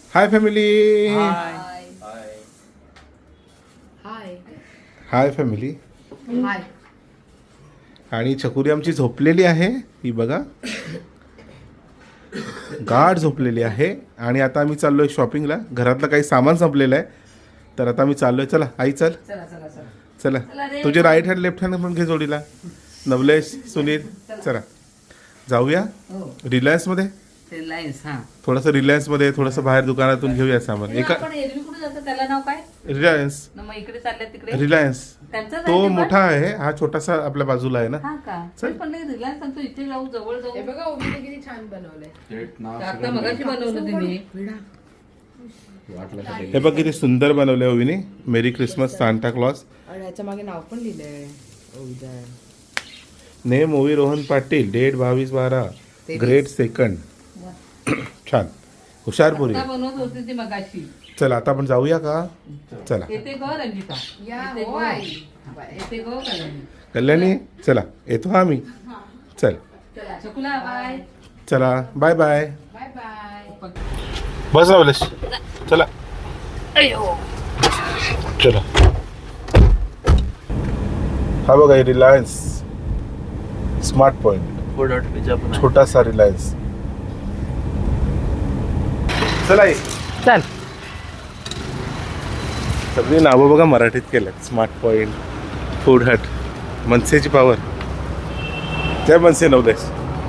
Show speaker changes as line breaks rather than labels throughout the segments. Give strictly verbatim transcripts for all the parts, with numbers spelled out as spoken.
Hi family.
हाय हाय
hi family.
हाय.
आणि छकुरी आमची झोपलेली आहे, ही बघा गाढ झोपलेली आहे. आणि आता आम्ही चाललोय शॉपिंगला. घरातलं काही सामान संपलेलं आहे, तर आता आम्ही चाललोय. चला आई चल.
चला चला चला
चला तुझे राईट हँड लेफ्ट हँड पण घे जोडीला. नवलेश, सुनील, चला जाऊया रिलायन्समध्ये.
रिलायन्स. हा
थोडंसं रिलायन्समध्ये थोडंसं बाहेर दुकानातून घेऊया सामान. एका
आपण एरवी कुठे जातो त्याला नाव काय?
रिलायन्स.
न मग इकडे चालले तिकडे
रिलायन्स
त्यांचाच आहे
तो
ते पण?
मोठा आहे, हा छोटासा आपल्या बाजूला आहे ना.
हा का?
चल.
पण नाही रिलायन्स सांगतो इथे जाऊ, जवळ जाऊ.
हे बघा ओबीने किती छान बनवलंय.
आता मगाशी बनवलं तिने.
हे बघ किती सुंदर बनवले ओवीने. Merry Christmas Santa Claus.
आणि ह्याच्या मागे नाव पण लिहिलंय ओबीदा.
नेम ओवी रोहन पाटील, डेट बावीस बारा, ग्रेड सेकंड. छान हुशार पोरी.
आता बनवत होती ती मगाशी.
चला आता आपण जाऊया का? चला
येते ग रंजिता.
या
येते
हो
ग.
आई.
येते ग कल्याणी.
कल्याणी चला येतो हा आम्ही. चल
चला चकुला बाय.
चला बाय बाय.
Bye bye.
बस रावलेश. चला चला. हा बघा रिलायन्स स्मार्ट पॉइंट, छोटासा रिलायन्स. चला ये.
चल.
सगळी नावं बघा मराठीत केल्यात. स्मार्ट पॉइंट, फूड हट, मनसेची पावर. जय मनसे नवलेश.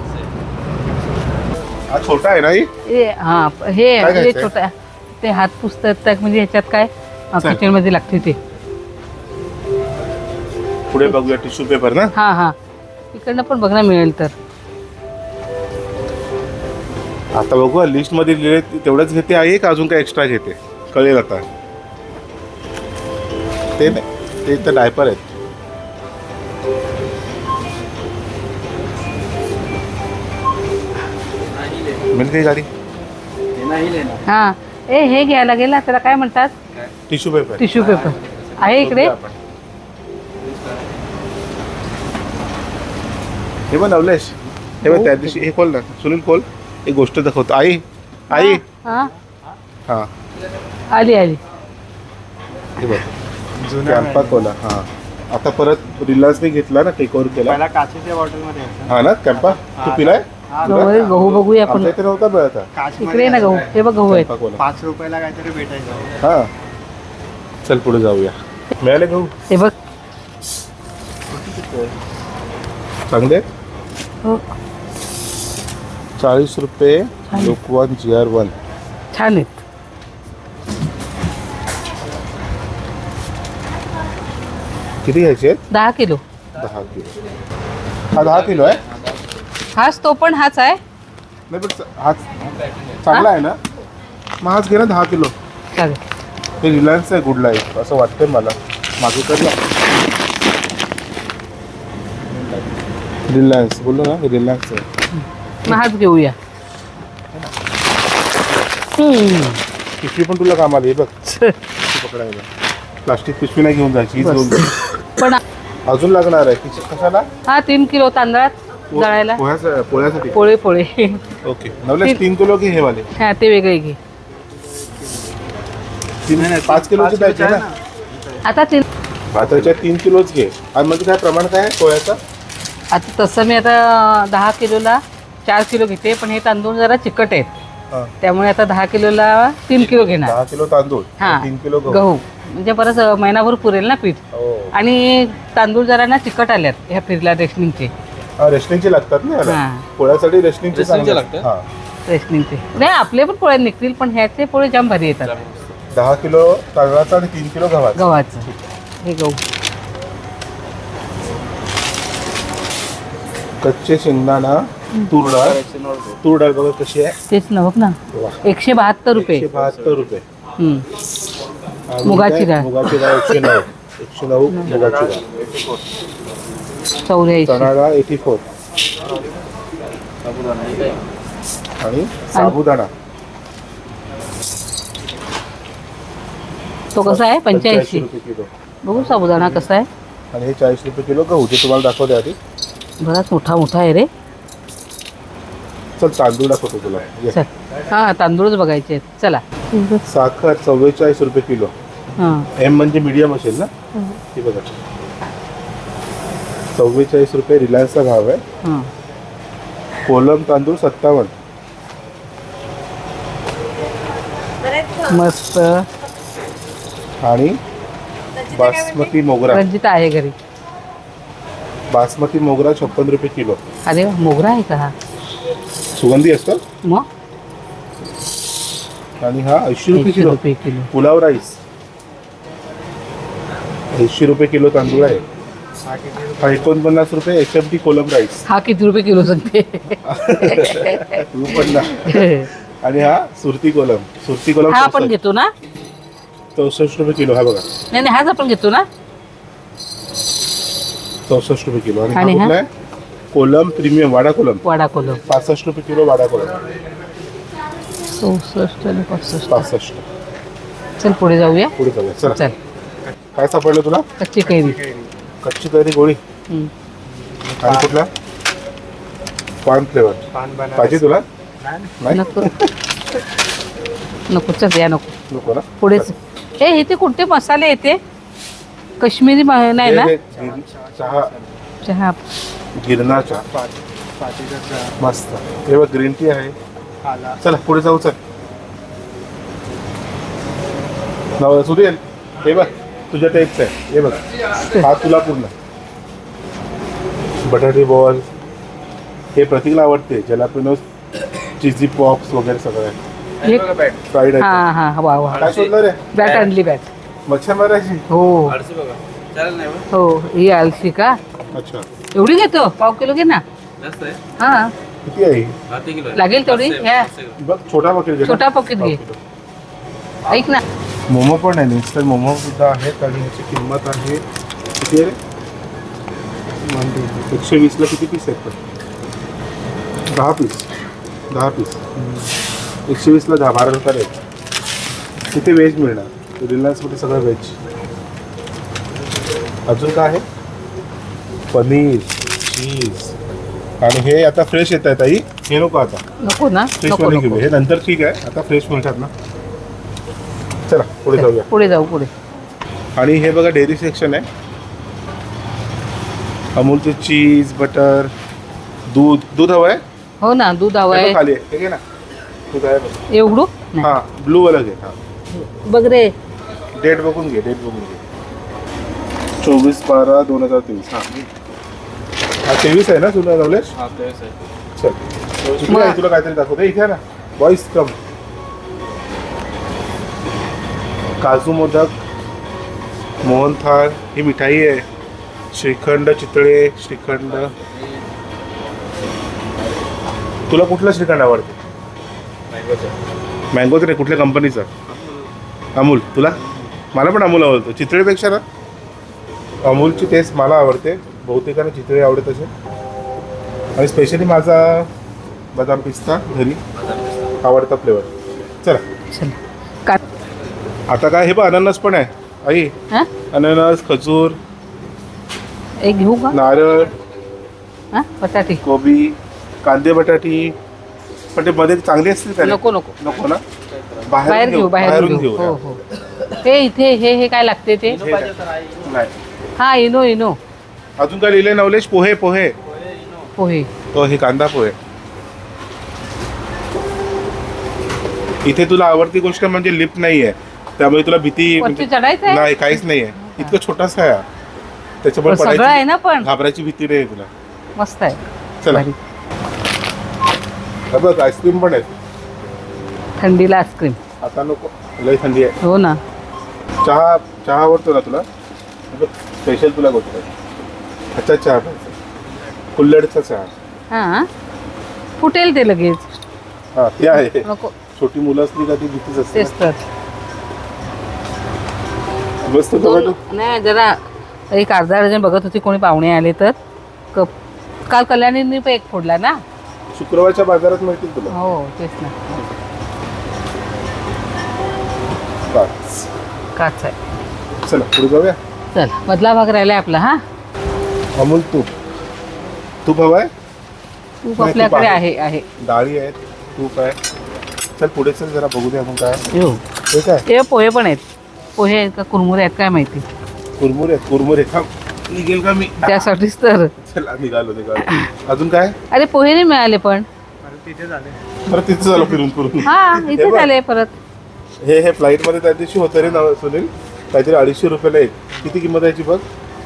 हा छोटा आहे ना ही?
हे हा हे
काय
हे
घ्यायचंय?
छोटा ते हात पुस्तक म्हणजे ह्याच्यात काय
चल.
किचन मध्ये लागते ते.
पुढे बघूया टिश्यू पेपर ना.
हा हा इकडनं पण बघणं मिळेल तर.
आता बघू लिस्ट मध्ये लिहिले तेवढंच घेते आहे का अजून काय एक्स्ट्रा घेते कळेल आता. ते नाही ते तर डायपर आहेत. मिळते काही गाडी.
हा ए हे घ्यायला गेला त्याला काय म्हणतात?
टिश्यू पेपर
टिश्यू पेपर आहे इकडे.
हे बघ नवलेश, हे बघ त्या दिवशी हे खोल ना सुनील, खोल. एक गोष्ट दाखवतो. आई आई
हा
हा
आली आली.
हे बघ कॅम्पा कोला. हा आता परत रिलायन्सने घेतला ना, टेक ओव्हर केला.
पहिला काचेच्या बॉटलमध्ये
हा ना कॅम्पा. तू पिलाय?
गहू गहू बघूया आपण.
आपल्या इथे नव्हता मिळत हा.
काच
इकडे ना गहू. हे बघ गहू आहेत.
Campa Cola.
पाच रुपयाला काहीतरी भेटायचं.
हा चल पुढे जाऊया. मिळाले गहू
हे बघ.
चांगले आहेत?
हो
चाळीस रुपये लोकवन जी आर वन.
छान आहेत.
किती घ्यायचे आहेत?
दहा किलो.
दहा किलो. हा दहा किलो आहे.
हाच तो पण हाच आहे.
नाही पण हा चांगला आहे ना. मग हाच घे ना दहा किलो.
चालेल.
हे रिलायन्स आहे, गुड लाईफ असं वाटतंय मला. मागे कर ना रिलायन्स बोललो ना, रिलायन्स आहे.
मग हाच घेऊया. हम्म.
पिशवी पण तुला कामाला आहे बघ. पिशवी पकडायला प्लास्टिक पिशवी नाही घेऊन जायची, हीच घेऊन जायची.
पण
अजून लागणार आहे किती? कशाला?
हा तीन किलो तांदळात दळायला.
पोह्यासाठी पोळ्यासाठी.
पोळे पोळे.
ओके नवलेश तीन किलो घे हे वाले.
हा ते वेगळे घे.
तीन पाच किलोची पाहिजे ना.
आता तीन
भाताच्या तीन किलोच घे. आणि म्हणजे काय प्रमाण काय आहे पोळ्याचं?
आता तसं मी आता दहा किलोला चार किलो घेते, पण हे तांदूळ जरा चिकट आहेत
हा.
त्यामुळे आता दहा किलोला तीन किलो घेणार.
दहा किलो तांदूळ,
हा
तीन किलो गहू.
गहू म्हणजे परत महिनाभर पुरेल ना पीठ.
हो.
आणि तांदूळ जरा ना चिकट आल्यात ह्या फिरला रेशनिंगचे.
हा रेशनिंगचे लागतात ना याला.
हा.
पोळ्यासाठी रेशनिंगचे चांगले लागतात. हा
रेशनिंगचे नाही आपले पण पोळे निघतील, पण ह्याचे पोळे जाम भारी येतात.
दहा किलो तांदळाचा आणि तीन किलो गव्हाचा.
गव्हाचं हे गहू.
कच्चे शेंगदाणा, तूर डाळ. तूर डाळ बघा कशी आहे.
तेच ना बघ ना.
वा.
एकशे बहात्तर रुपये.
एकशे बहात्तर रुपये.
हम्म.
आणि
मुगाची
काय?
डाळ.
मुगाची डाळ एकशे नऊ. एकशे नऊ मुगाची डाळ.
चौऱ्याऐंशी.
चणा डाळ एटी फोर. आणि साबुदाणा
तो कसा आहे? पंच्याऐंशी.
रुपये किलो.
बघू साबुदाणा कसा आहे.
आणि हे चाळीस रुपये किलो गहू. जे तुम्हाला दाखवते आधी.
बराच मोठा मोठा आहे रे.
चल तांदूळ दाखवतो तुला. ये.
चल हा तांदूळच बघायचे आहेत. चला
साखर चव्वेचाळीस रुपये किलो.
हां
एम म्हणजे मीडियम असेल ना. हे बघा चव्वेचाळीस रुपये रिलायन्सचा भाव आहे.
हां
कोलम तांदूळ सत्तावन्न.
मस्त.
आणि बासमती मोगरा
रंजिता आहे घरी.
बासमती मोगरा छप्पन रुपये किलो.
अरे वा, मोगरा आहे का हा?
सुगंधी असतो.
मग
आणि हा ऐंशी रुपये
एकशे
किलो
रुपये किलो.
पुलाव राईस. ऐंशी रुपये किलो तांदूळ आहे. हा एकोणपन्नास रुपये H M T Kolam rice.
हा किती रुपये किलो सांगते?
तू पण ना. आणि हा सुरती कोलम. सुरती कोलम
हा आपण घेतो ना?
चौसष्ट रुपये किलो. हा बघा
नाही नाही हाच आपण घेतो ना?
चौसष्ट रुपये किलो. आणि हा
आणि हा?
कुठला आहे? कोलम प्रीमियम वाडा कोलम
वाडा कोलम.
पासष्ट रुपये किलो वाडा कोलम.
चौसष्ट आणि पासष्ट.
पासष्ट.
चल पुढे जाऊया.
पुढे जाऊया चला.
चल.
काय सापडलं तुला?
कच्ची कैरी.
कच्ची कैरी गोळी.
हम्म.
आणि कुठला? पान फ्लेवर
पान बनारसी.
पाहिजे तुला? नाही
नको नको चल या नको.
नको ना.
पुढेच हे इथे कोणते मसाले येते? काश्मीरी म- नाही ना?
हे- हे गिर- चहा
चहा.
गिरणा चहा
पाती- पातीचा चहा,
मस्त. हे बघ ग्रीन टी आहे.
आला.
चला पुढे जाऊ. चल नाव सुरेल. हे बघ तुझ्या टाईपच आहे. हे बघ हा तुला पूर्ण बटाटे बॉल. हे प्रतीकला आवडते. जलापिनोस चिझी पॉप्स वगैरे सगळं आहे.
हे
फ्राईड
हा
आहे.
हा वा वा.
काय शोधलं रे?
बॅट आणली बॅट.
मच्छर मारायची.
हो हो ही आलशी का?
अच्छा
एवढी घेतो? पाव किलो घे ना. हा
किती आहे?
लागेल तेवढी. ह्या
बघ छोटा पकेट घे ना.
छोटा पॉकेट घे. ऐक ना
मोमो पण आहे. इन्स्टंट मोमो सुद्धा आहेत. आणि ह्याची किंमत आहे किती आहे रे? एकशे वीसला किती पीस आहेत पण? दहा पीस. दहा पीस एकशे वीसला दहा बारा रुपये आहेत. तिथे व्हेज मिळणार. रिलायन्समध्ये सगळं व्हेज. अजून काय आहे? पनीर चीज. आणि हे आता फ्रेश येत आहेत आई. हे नको आता
नको ना.
फ्रेश
नको
मध्ये
नको.
घेऊ. हे नंतर ठीक आहे. आता फ्रेश मिळतात ना. चला पुढे जाऊया.
पुढे जाऊ पुढे.
आणि हे बघा डेअरी सेक्शन आहे. अमूलचे चीज बटर दूध. दूध हवं आहे?
हो ना दूध हवं
हे बघ
आहे.
खाली आहे. हे घे ना. दूध आहे बघ.
एवढू नाही.
हां ब्लू वाला घे. हां
बघ रे.
डेट बघून घे. डेट बघून घे. चोवीस बारा दोन हजार तेवीस. हां हा तेवीस आहे ना तुला नवलेश? चल इकडे
मग-
आहे. तुला काहीतरी दाखवते. इथे आहे ना वॉइस कम. काजू मोदक मोहनथाळ ही मिठाई आहे. श्रीखंड चितळे श्रीखंड. तुला कुठला श्रीखंड आवडते? मँगोचं नाही. कुठल्या कंपनीचा? अमूल. तुला? मला पण अमूल आवडतो. चितळेपेक्षा ना अमूलची टेस्ट मला आवडते. बहुतेकांना चितळे आवडत असेल. आणि स्पेशली माझा बदाम पिस्ता घरी आवडता फ्लेवर. चला
चल का
आता काय हे बघ अननस पण आहे आई.
हा
अननस खजूर
एक घेऊ का?
नारळ
हा बटाटी.
कोबी कांदे बटाटी. पण ते मध्ये चांगली असतील का रे?
नको नको.
नको ना.
बाहेर घेऊ बाहेर
बाहेरून
घेऊ.
घेऊ
हो हो. हे इथे हे हे काय लागते ते?
नाही.
हा इनो इनो
अजून काय लिहिलंय नवलेश? पोहे पोहे.
पोहे.
तो हे कांदा पोहे. इथे तुला आवडती गोष्ट म्हणजे लिफ्ट नाहीये. त्यामुळे तुला भीती
वरती चढायचं आहे?
नाही काहीच नाहीये. इतकं छोटासा आहे हा. त्याच्यामुळे
सगळं आहे
पडायची
ना पण
घाबरायची भीती नाही तुला.
मस्त आहे.
चला
भारी.
हे बघ आईस्क्रीम पण आहे.
थंडीला आईस्क्रीम.
आता नको लई थंडी आहे.
हो ना.
चहा चहा आवडतो ना तुला? स्पेशल तुला गोष्ट आहे. अच्छा चहा पाहिजे. कुल्हडचा चहा.
हा फुटेल ते लगेच.
हा ते आहे.
नको.
छोटी मुलं असली का ती भीतीच असते.
तेच तर.
मस्त
दोन
टोमॅटो.
नाही जरा एक अर्धा डझन बघत होती कोणी पाहुणे आले तर. कप काल कल्याणींनी पण एक फोडला ना.
शुक्रवारच्या बाजारात मिळतील तुला.
हो तेच ना.
पाच.
काच आहे.
चला पुढे जाऊया.
चल मधला भाग राहिलाय आपला. हा
अमूल तूप. तूप हवं आहे?
तूप
नाही,
आपल्याकडे
तूप
आहे आहे.
डाळी आहेत. तूप आहे. चल पुढे चल जरा बघू दे आपण काय
येऊ
हे काय
ते पोहे पण आहेत पोहे आहेत का कुरमुरे आहेत काय माहिती
कुरमुरे कुरमुरे थांब निघेल का मी
त्यासाठीच तर
चला निघालो निघालो अजून काय
अरे पोहे नाही मिळाले पण
अरे तिथे झाले
परत तिथं झालं फिरून फिरून
हा
हे
इथे
बघ.
झाले परत
हे हे फ्लाईट मध्ये त्या दिवशी होतं रे ना सुनील काहीतरी अडीचशे रुपयाला एक किती किंमत याची बघ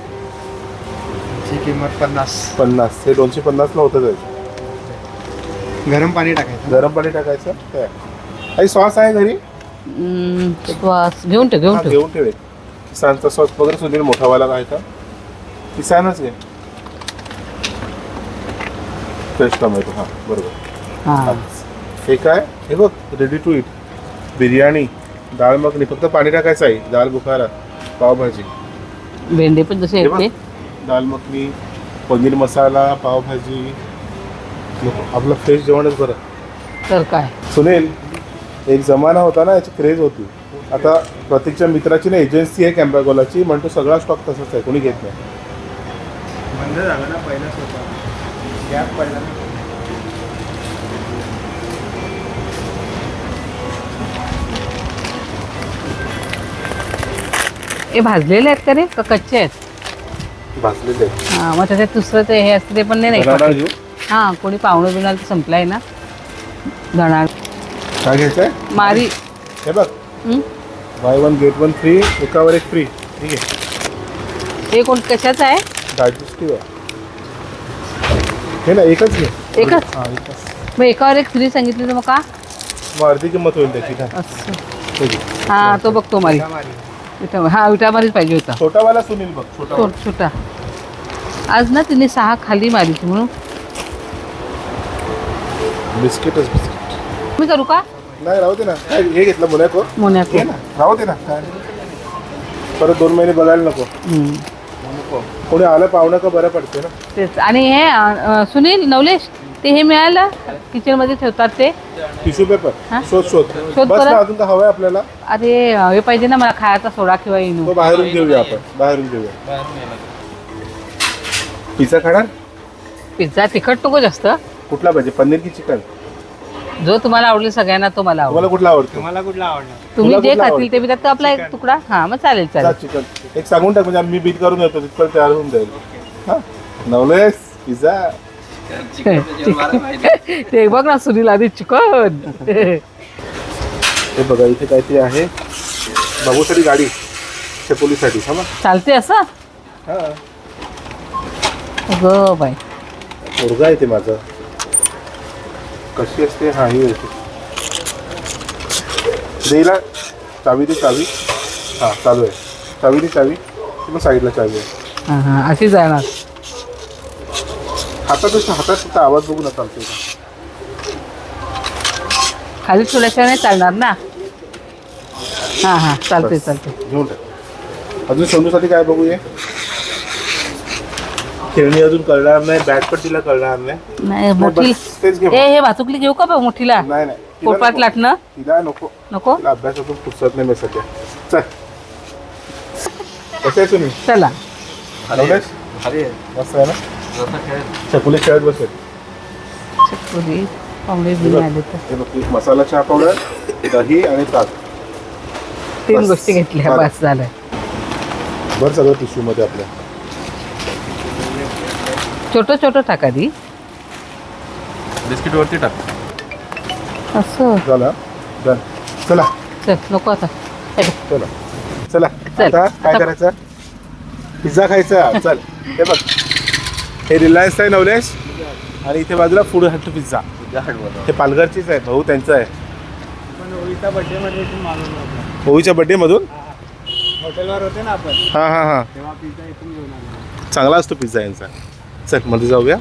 ची किंमत पन्नास.
पन्नास हे दोनशे पन्नासला होतं जायचं
गरम पाणी टाकायचं.
गरम पाणी टाकायचं काय काही सॉस आहे घरी
हम्म, श्वास घेऊन ठेव घेऊन
हा,
ठेव
घेऊन ठेवे किसानचा सॉस वगैरे सुनील मोठावाला काय का किसानच घे फ्रेश टोमॅटो हा बरोबर
हा
हे काय हे बघ रेडी टू इट बिर्याणी डाळ मखनी फक्त पाणी टाकायचं आहे दाल बुखारा पावभाजी
भेंडे पण जसे
हे
आहेत
बघ
ते
दाल मखनी पनीर मसाला पावभाजी नको, आपलं फ्रेश जेवणच बरं
तर काय
सुनील एक जमाना होता ना याची क्रेज होती आता प्रतीकच्या मित्राची ना एजन्सी आहे कॅम्पागोलाची म्हणतो सगळा स्टॉक तसाच आहे कोणी घेत नाही
बंद झालं ना पहिलाच होता गॅप पडला ना.
हे भाजलेले आहेत का रे का कच्चे आहेत
भाजलेले
हा मग त्याच्यात दुसरं ते हे असतं ते पण नाही
धनाडाळ
नाही
घेऊ
हा कोणी पाहुणं बिणार तर संपलाय ना धणार
काय घ्यायचं आहे
मारी
हे बघ
हं?
Buy one get one free एकावर एक फ्री ठीक आहे
हे कोण कशाचं आहे
डायजेस्टिव्ह आहे हे ना एकच घे
एकच
हां एकच
मग एकावर एक फ्री सांगितली तर मग का
मग अर्धी किंमत होईल त्याची काय
असं
हे घे.
हा तो बघतो मारी
मारी.
विटा हा विटामारीच पाहिजे होता
छोटावाला सुनील बघ छोटा
छो- छोटा आज ना तिने सहा खाली मारली म्हणून
बिस्किटच बिस्किट
मी करू का
नाही राहू दे ना काय हे घेतलं मुलाको
मोन्याको
घे ना राहू दे ना काय परत दोन महिने बघायला नको
हं.
नको कोणी आलं पाहुणं का बरं पडते ना
तेच आणि हे अं, सुनील नवलेश ते हे मिळालं किचनमध्ये ठेवतात ते
टिश्यू पेपर
हा?
शोध शोध
शोध
बस
परत.
ना अजून का हवंय आपल्याला
अरे हे पाहिजे ना मला खायचा सोडा किंवा इनो
तो बाहेरून घेऊया आपण बाहेरून घेऊया पिझ्झा खाणार
पिझ्झा तिखट नको जास्त
कुठला पाहिजे पनीर की चिकन
जो तुम्हाला आवडेल सगळ्यांना तो मला
तुम्हाला
आवडेल
कुठला आवडतो
तुम्हाला कुठला आवडणार?
तुम्ही
तुला
जे
कुठला
खातील ते
आवडतं?
मी त्यात आपला एक तुकडा हा मग चालेल
जा
चालेल
चिकन एक सांगून टाक म्हणजे मी बीट करून येतो तिथपर्यंत तयार होऊन जाईल हा नवलेस पिझ्झा
ते बघ ना सुनील आधी चिकन
हे बघा इथे काहीतरी आहे बाबूसाठी गाडी चकोलीसाठी हा मग
चालते असं
हा
ग बाई
मुलगा आहे ते माझं कशी असते हा ही होते देईला चावी दे चावी हा चालू आहे चावी दे चावी ती मग साईडला चावी आहे
हा हा अशी जाणार
हातात हातात फक्त आवाज बघून चालतो
खाली ठेवल्याशिवाय नाही चालणार ना हा हा चालते चालते
घेऊन टाक अजून सोनूसाठी काय बघूया खेळणी अजून कळणार नाही बॅट पण तिला कळणार नाही
नाही मोठी
बस तेच घे
ए हे भातुकली घेऊ का बा मोठीला
नाही नाही तिला
पोटात
नको.
लाटणं
तिला नको
नको
तिला अभ्यासातून फुरसत नाही मी सध्या चल कसं आहे सुनील
चला
नवलेश? मस्त आहे ना चकुली खेळत बसेल
चकुली पाहुणे बिणे आले तर
हे बघ, एक मसाला चहा पावडर दही आणि ताक
तीन
बस.
गोष्टी घेतल्या
बरं.
बस झालं
बरं सगळं टिश्यू मध्ये आपल्या
छोटं छोटं टाका दी
बिस्किट वरती टाक
असं
झालं डन चला
चल नको आता हे बघ.
चला चला
चल.
आता काय
आता-
करायचं पिझ्झा खायचा चल हे बघ हे रिलायन्स आहे नवलेश आणि इथे बाजूला फूड हट पिझ्झा हे पालघरचीच आहे भाऊ त्यांचं आहे
पण ओळीचा बर्थडे मध्ये इथून मागवलं होतं.
भाऊच्या बड्डे मधून
हॉटेलवर होते ना आपण
हां हां हां
तेव्हा पिझ्झा इथून घेऊन आलो.
चांगला असतो पिझ्झा यांचा चल मध्ये जाऊया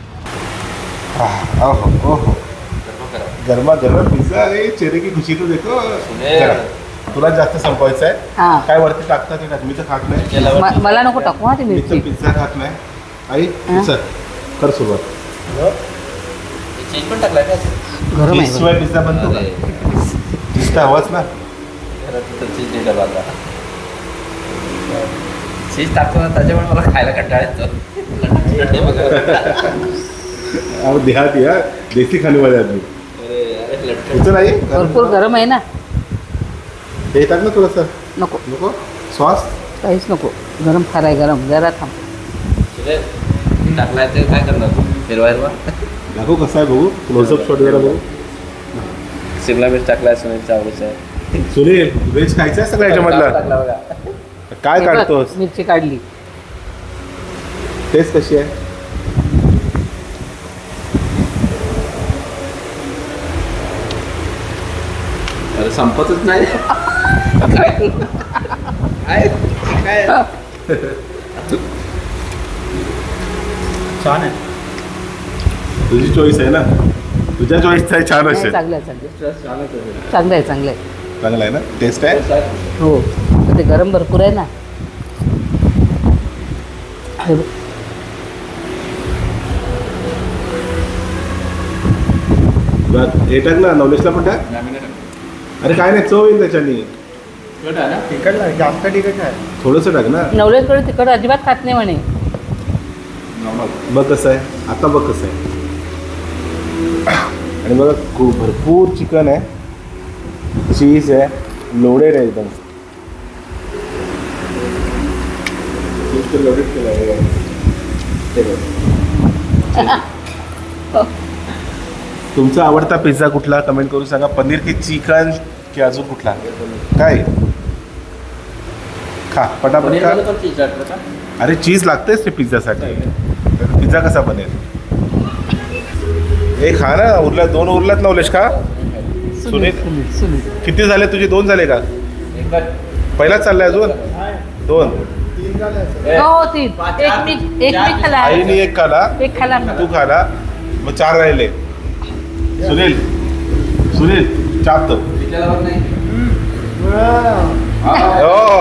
आह, ओहो, ओहो. गरमा गरम पिझ्झा रे चेहरे की खुशी तो देखो चला, तुला जास्त संपवायचं आहे
हा
काय वरती टाकतात ते टाक मी तर खात नाही
म- मला नको टाकू हा ती
मी तर
मिरची
पिझ्झा खात नाही आई
हा?
चल कर सुरुवात
चीज पण टाकलाय का
गरम आहे
शिवाय पिझ्झा बनतो का चीज तर हवाच ना
चीज नाही डबा आता चीज टाकतो ना त्याच्यामुळे मला खायला कंटाळा येतो हे बघा.
अब देहाती है देसी खाने वाले आदमी
अरे अरे लट्टू
इथं नाही
भरपूर गरम आहे ना.
हे येतात ना थोडंसं
नको
नको सॉस
काहीच नको. गरम फार आहे गरम. जरा थांब.
टाकलाय ते काय करणार हिरवा हिरवा
दाखवू कसं आहे बघू क्लोजअप शॉट जरा बघू.
शिमला मिरच टाकलाय सुनीलच्या आवडीचं आहे.
सुनील व्हेज खायचं आहे सगळ्या ह्याच्यामधला
टाकला बघा.
काय
हे बघ,
काढतोस
मिरची काढली.
टेस्ट कशी आहे
अरे संपतच नाही काय काय काय
छान आहे.
तुझी चॉईस आहे ना तुझ्या चॉईसचं आहे छान
नाही,
असेल
चांगलं आहे चांगलं आहे.
छानच आहे.
चांगलं आहे चांगलं आहे.
चांगला आहे ना टेस्ट आहे
हो पण ते गरम भरपूर आहे ना. हे बघ.
बरं, हे टाक ना नवलेशला पण टाक अरे काय नाही चव येईल त्याच्यानी
तिखट नाही जास्त तिखट नाही.
थोडंसं टाक ना
नवलेशकडे तिखट अजिबात खात नाही म्हणे.
बघ कसं आहे आता बघ कसं आहे आणि बघा खूप भरपूर चिकन आहे चीज आहे लोडेड आहे एकदम लोडेड केलं आहे ते बघ. तुमचा आवडता पिझ्झा कुठला कमेंट करून सांगा पनीर की चिकन की अजून कुठला काय खा पटापट खा
पनीरवालं पण चीज टाकलं का?
अरे चीज लागतेच ते पिझ्झासाठी पिझ्झा कसा बनेल हे खा ना उरला दोन उरलात नवलेश का सुनील
सुनील सुनील
किती झाले तुझे दोन झाले का
एकदा
पहिलाच चाललाय अजून दोन
हो तीन एक मी एक मी खाला.
आईने एक खाला
एक खाला मी.
तू खाला मग चार राहिले सुनील सुनील चाप तो
पिझ्झाला बघ नाही
हो.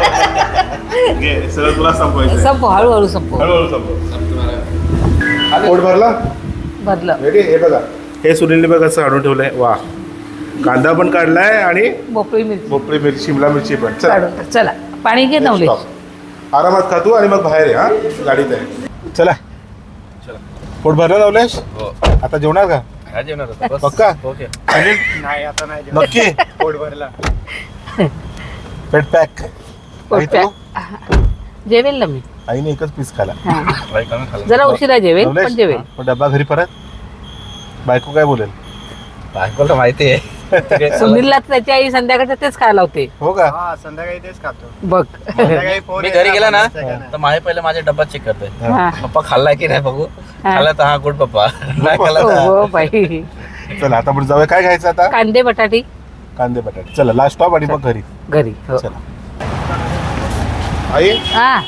घे सगळं तुला संपवायचं
संपव हळूहळू संपव.
हळूहळू संपव
तुम्हाला
पोट भरला
भरलं.
रेडी हे बघा हे सुनीलने बघा असं आणून ठेवलंय वा कांदा पण काढलाय आणि
भोपळी मिरची
भोपळी मिरची शिमला मिरची पण चला
काढून टाक. चला पाणी घे नवलेश.
Stop. आरामात खातो आणि मग बाहेर आहे हा गाडीत आहे चला
चला.
पोट भरलं नवलेश
हो
आता जेवणार का
काय जेवणार होतं? बस.
पक्का?
ओके
सुनील
नाही आता नाही जेवण.
नक्की
पोट भरला.
पेट पॅक
पोट पॅक. जेवेल ना मी.
आईने एकच पीस खाला
हा.
बाई कमी खाल्लं.
जरा उशिरा जेवेल पण
नवलेश
जेवेल.
मग डब्बा घरी परत बायको काय बोलेल
बायकोला माहिती आहे
सुनीलला त्याची आई संध्याकाळचं तेच खायला होते.
हो का
हा संध्याकाळी तेच खातो.
बघ.
संध्याकाळी फोन
मी
येतो
घरी गेला ना
आपण सगळ्यांना.
तर माझे पहिले माझे डब्बा चेक करतोय
हा.
पप्पा खाल्लाय की नाही बघू
हा.
खाल्ला तर हा गुड पप्पा नाही खाल्ला तर
हो बाई.
चला आता आपण जाऊया काय खायचं आता
कांदे बटाटी
कांदे बटाटे चला लास्ट स्टॉप आणि मग घरी
घरी. हो.
चला आई
हा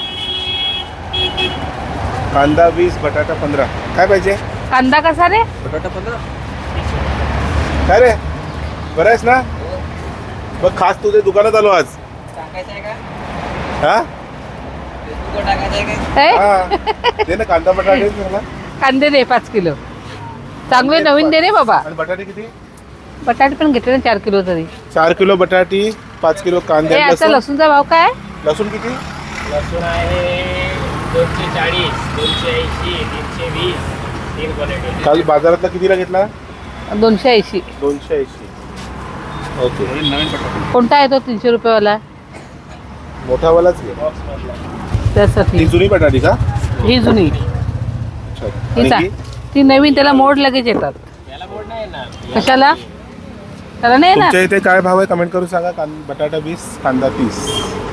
कांदा वीस बटाटा पंधरा काय पाहिजे
कांदा कसा रे?
बटाटा पंधरा
काय रे बरं आहेस ना बघ खास तुझ्या दुकानात आलो आज
टाकायचं आहे का
हा
फेसबुकवर टाकायचं आहे का
ए,
हा दे ना कांदा बटाटे दे मला.
कांदे दे पाच किलो चांगले नवीन दे रे बाबा.
आणि बटाटे किती
बटाटे पण घेतले ना चार किलो तरी.
चार किलो बटाटी पाच किलो कांदे
ए,
आणि
आता
लसूण
लसूणचा भाव काय?
लसूण किती
लसूण आहे दोनशे चाळीस दोनशे ऐंशी तीनशे वीस तीन क्वालिटी
काल बाजारातला कितीला घेतला
दोनशे ऐंशी.
दोनशे ऐंशी ओके
नवीन बटाटा
कोणता आहे तो तीनशे रुपयेवाला?
मोठावालाच घे
त्यासाठी
ती जुनी बटाटी का
ही जुनी
अच्छा
ही
आणि
चा-
ही?
ती नवीन त्याला मोड लगेच येतात.
त्याला बोर्ड नाही ना
कशाला? त्याला नाही ना.
तुमच्या इथे काय भाव आहे कमेंट करून सांगा कां बटाटा वीस कांदा तीस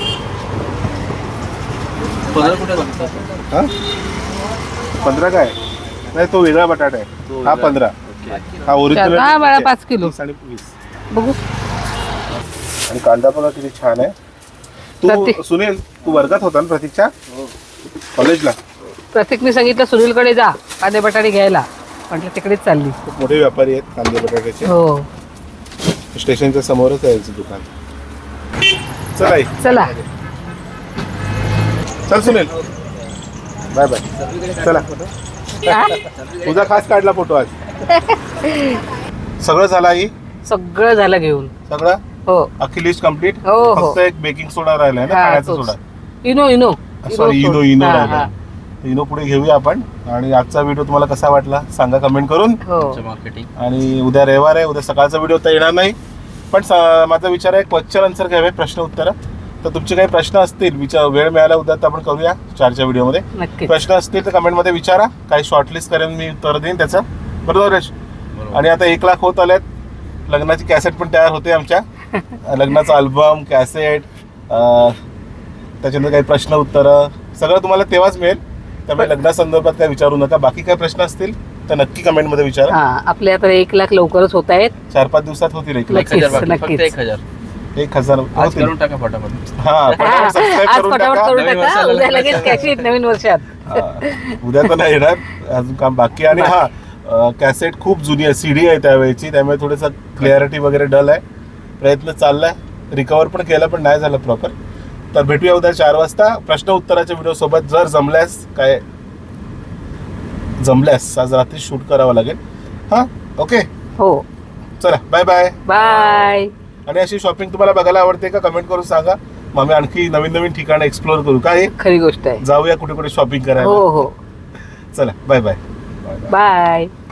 पंधरा कुठे बनतात
हा पंधरा काय नाही तो वेगळा बटाटा आहे
तो
हा
वेगळा.
पंधरा
ओके
हा ओरिजिनल
हा, बाळा, पाच किलो.
आणि वीस
बघू.
आणि कांदा पण किती छान आहे तू
प्रतीक.
सुनील तू वर्गात होता ना प्रतीकच्या कॉलेजला
प्रत्येकने सांगितलं सुनीलकडे जा कांदे बटाटे घ्यायला. म्हटलं तिकडेच चालली.
खूप मोठे व्यापारी आहेत कांदे बटाट्याचे
हो
स्टेशनच्या समोरच आहे याचं दुकान चल आई
चला.
चल सुनील बाय बाय चला
हा?
तुझा खास काढला फोटो आज सगळं झालं आई
सगळं झालं घेऊन.
सगळं
हो
अख्खी लिस्ट कम्प्लीट
हो, हो.
फक्त एक बेकिंग सोडा राहिलाय ना
हा,
खाण्याचा
तोच.
सोडा
Eno Eno
sorry Eno Eno
हा,
राहिला
हा.
इनो पुढे घेऊया आपण. आणि आजचा व्हिडिओ तुम्हाला कसा वाटला सांगा कमेंट करून.
हो
मार्केटिंग
आणि उद्या रविवार आहे, उद्या सकाळचा व्हिडिओ तर येणार नाही, पण स- माझा विचार आहे क्वेश्चन आन्सर घ्यावे, प्रश्न उत्तर. तर तुमचे काही प्रश्न असतील विचार, वेळ मिळाला उद्या तर आपण करूया चारच्या व्हिडिओमध्ये.
नक्कीच.
प्रश्न असतील तर कमेंटमध्ये विचारा, काही शॉर्टलिस्ट करेन मी, उत्तर देईन त्याचं. बरोबर रेश? आणि आता एक लाख होत आल्यात, लग्नाची कॅसेट पण तयार होते आमच्या. लग्नाचा अल्बम, कॅसेट, त्याच्यानंतर काही प्रश्न उत्तरं सगळं तुम्हाला तेव्हाच मिळेल. त्यामुळे लग्नासंदर्भात काय विचारू नका. बाकी काय प्रश्न असतील तर नक्की कमेंटमध्ये विचारा.
हा आपले आता एक लाख लवकरच होत आहेत.
चार पाच दिवसात होतील एक लाख.
एक हजार बाकी,
नक्कीच.
फक्त एक हजार
एक हजार
आज
होतील.
करून टाका फटाफट.
हा पटापट सबस्क्राईब
आज
करून
फटाफट
टाका.
करून
नवीन
टाका,
वर्षाला
उद्या
लगेच
लगेच कॅश येईल नवीन वर्षात.
हा. उद्या तर नाही येणार, अजून काम बाकी. आणि हा कॅसेट खूप जुनी आहे, सीडी आहे त्यावेळेची, त्यामुळे थोडंसं क्लिअरिटी वगैरे डल आहे. प्रयत्न चाललाय, रिकवर पण केला पण नाही झालं प्रॉपर. तर भेटूया उद्या चार वाजता प्रश्न उत्तराच्या व्हिडिओ सोबत. जर जमल्यास काय जमल्यास आज रात्री शूट करावं लागेल. हा ओके
हो
चला बाय बाय.
बाय.
आणि अशी शॉपिंग तुम्हाला बघायला आवडते का कमेंट करून सांगा. मग आम्ही आणखी नवीन नवीन ठिकाणं एक्सप्लोर करू. काय
खरी गोष्ट आहे.
जाऊया कुठे कुठे शॉपिंग
हो
करायला.
हो
चला बाय बाय.
बाय.